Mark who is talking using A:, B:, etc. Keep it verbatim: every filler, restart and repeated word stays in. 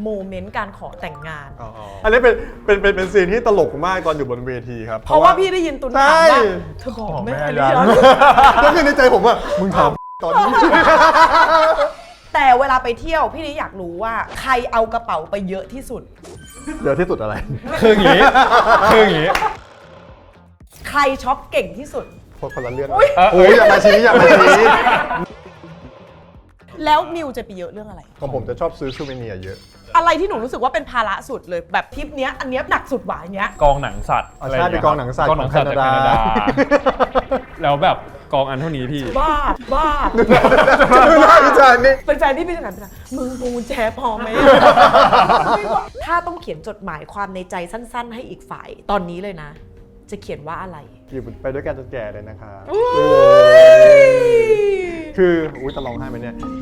A: โมเมนต์การขอแต่งงาน
B: อ๋ออันนี้เป็นเป็นเป็นเป็นซีนที่ตลกมากตอนอยู่บนเวทีครับ
A: เพราะว่าพี่ได้ยินตุนถามว่าเธอบอกแม่หรือยัง
B: แล้วคือในใจผมว่ามึงถามตอนนี้
A: แต่เวลาไปเที่ยวพี่นี่อยากรู้ว่าใครเอากระเป๋าไปเยอะที่สุด
B: เดี๋ยวที่สุดอะไร
C: คืออย่างนี้คืออย่างนี้
A: ใครช็อปเก่งที่สุด
B: คนละเรื่อง
A: อุ๊ย
B: โอ้ยอย่ามาชี้อย่ามาชี้
A: แล้วมิวจะไปเยอะเรื่องอะไร
B: ของผมจะชอบซื้อซูเวเนียร์เยอะ
A: อะไรที่หนูรู้สึกว่าเป็นภาระสุดเลยแบบทริปเนี้ยอันเนี้ยหนักสุดหวาอย่างเงี้ย
C: กองหนังสัตว์
B: อ๋อใช่เป็นกองหนังสัตว์
C: กองหนังสัตว์
B: ของ
C: จาก
B: แค
C: แค
B: นา
C: นา
B: ดา
C: ดา แล้วแบบกองอันเท่านี้พี่
A: บ้าบ้า
B: ดูหน้าพี่จานนี่
A: เป็นแฟนที่พี่จะถามพี่นะมึงพวงกุญแจพอไหม ถ้าต้องเขียนจดหมายความในใจสั้นๆ ให้อีกฝ่ายตอนนี้เลยนะ จะเขียนว่าอะไร
B: อยู่ไปด้วยกันจนแก่เลยนะคะ
A: อุ๊ย
B: คืออุ้ยจะร้องไห้ไหมเนี่ย